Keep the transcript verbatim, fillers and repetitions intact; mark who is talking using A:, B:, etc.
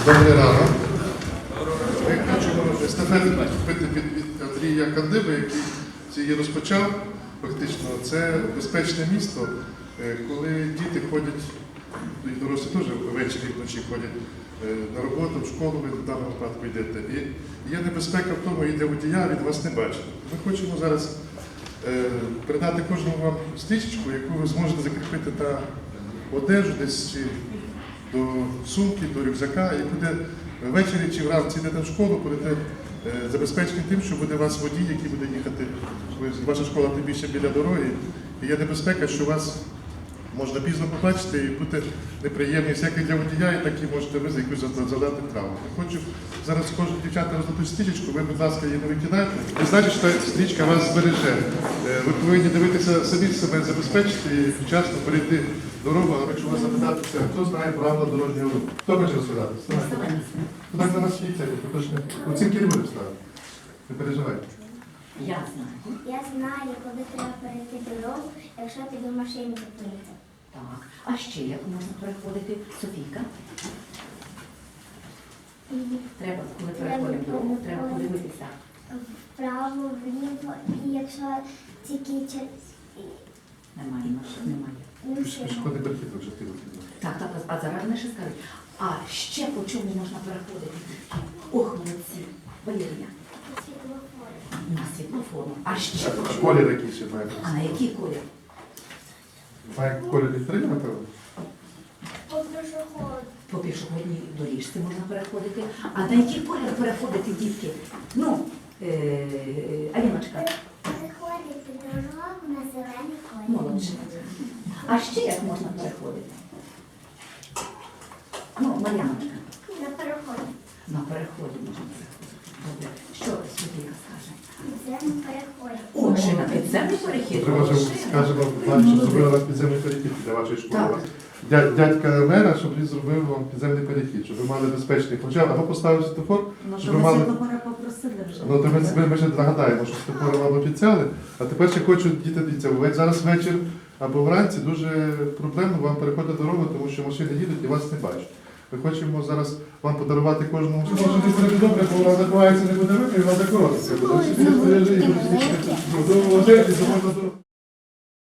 A: Добрий ранок. Ми хочемо естафету купити від, від Андрія Кандиби, який її розпочав. Фактично, це безпечне місто, коли діти ходять, і дорослі теж ввечері вночі ходять на роботу, в школу, ви в даному випадку йдете. І є небезпека в тому, і для водія від вас не бачить. Ми хочемо зараз передати кожному вам стрічечку, яку ви зможете закріпити на одежу десь чи до сумки, до рюкзака, і буде ввечері чи вранці йдете в школу, будете забезпечені тим, що буде у вас водій, який буде їхати. Ваша школа тим більше біля дороги, і є небезпека, що вас можна пізно побачити і бути неприємність, як і для водія, і так і можете ви за якусь задати травму. Я хочу зараз кожен дівчата роздати стрічечку, ви, будь ласка, її не викидайте. Ви знаєте, що стрічка вас збереже. Ви повинні дивитися самі себе забезпечити і вчасно перейти дорогу, але якщо вас запитатися, хто знає правила дорожнього руху? Хто хоче розповідати? Куди на нас їдьте? Оцінки не буде ставити. Не переживайте.
B: Я знаю.
C: Я знаю, коли треба перейти дорогу, якщо ти до машини зупиниться.
B: Так. А ще як можна переходити? Софійка? Треба, коли переходимо дорогу, треба подивитися.
C: Вправо, вліво, і якщо тільки через...
B: Немає машин, немає.
A: Пішохідний перехід вже ти вихідно.
B: Так, так, а зараз вони ще скажуть. А ще по чому можна переходити? Ох, молодці. Валерія. На світлофору. А ще по
A: А
B: чому?
A: колір який ще має?
B: А на який колір?
A: Має колір відкрити, напевно?
C: По пішоходу.
B: По пішохідній доріжці можна переходити. А на який колір переходити, дітки? Ну, е, Аліночка.
C: Переходити дорогу на зелений колір.
B: Молодше. А ще як можна переходити? Ну, Мар'яночка.
C: На переході.
B: На переході можна переходити. Добре. Що Софійка скаже?
C: Підземний переход.
B: О, ще на підземний перехід.
A: Треба вже скажемо, щоб зробили вас підземний перехід для вашої школи. Дя- Дядька мера, щоб він зробив вам підземний перехід, щоб ви мали безпечний. Хоча або поставив світофор,
D: Ну,
A: щоб
D: що
A: ви
D: ми
A: мали.
D: світлофора попросили вже.
A: Ну, то ми, ми, ми ще нагадаємо, що світофори вам обіцяли, а тепер ще хочуть діти дивіться. Ви зараз вечір або вранці дуже проблемно вам переходити дорогу, тому що машини їдуть і вас не бачать. Ми хочемо зараз вам подарувати кожному. Може, не буде добре, бо вона закривається, не буде видно, і вона закоротиться. Буде всі збережені, буде всі-